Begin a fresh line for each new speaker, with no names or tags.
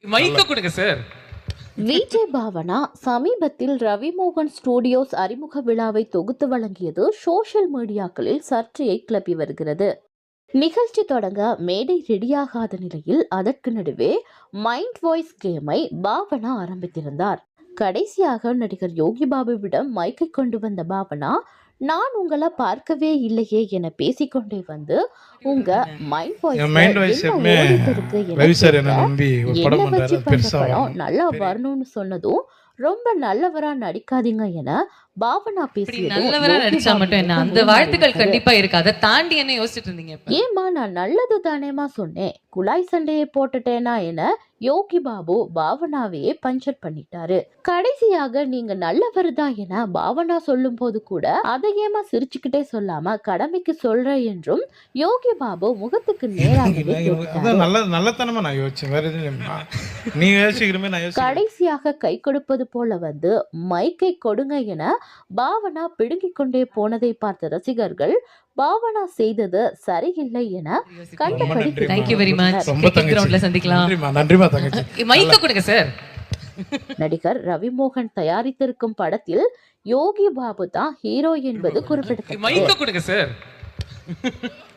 மைக்க கொடுங்க சார்.
விஜய் பாவனா சமீபத்தில் ரவிமோகன் ஸ்டுடியோஸ் அறிமுக விழாவை தொகுத்து வழங்கியது சோஷியல் மீடியாக்களில் சர்ச்சையை கிளப்பி வருகிறது. நிகழ்ச்சி தொடங்க மேடை ரெடியாகாத நிலையில் அதற்கு நடுவே மைண்ட் வாய்ஸ் கேமை பாவனா ஆரம்பித்திருந்தார். கடைசியாக நடிகர் யோகி பாபுவிடம் மைக்கை கொண்டு வந்த பாவனா, நான் உங்களை பார்க்கவே இல்லையே என பேசிக்கொண்டே வந்து உங்க மைண்ட் வாய்ஸ் என்ன வச்சு பண்ண படம் நல்லா வரணும்னு சொன்னதும் ரொம்ப நல்லவரா நடிக்காதீங்க என பாவனா
நல்லவரா நடிச்சா மட்டும் என்ன, அந்த வாழ்த்துக்கள் கண்டிப்பா இருக்கு. அதை தாண்டி என்ன யோசிச்சுட்டு இருந்தீங்க?
ஏமா நான் நல்லது தானேமா சொன்னேன், குழாய் சண்டையை போட்டுட்டேனா என யோகி பாபு பாவனாவையே பஞ்சர் பண்ணிட்டாரு. கடைசியாக நீங்க நல்லவர் தான் என பாவனா சொல்லும் போது கூட அதை ஏமா சிரிச்சுக்கிட்டே சொல்லாம கடமைக்கு சொல்ற என்றும் யோகி பாபு முகத்துக்கு நேராகவே கடைசியாக கை கொடுப்பது போல வந்து மைக்கை கொடுங்க என பாவனா பிடுங்கிக் கொண்டே போனதை பார்த்த ரசிகர்கள் பாவனா செய்தது சரியில்லை என கண்டபடி நடிகர் ரவிமோகன் தயாரித்திருக்கும் படத்தில் யோகி பாபு தான் ஹீரோ என்பது குறிப்பிடத்தக்கது.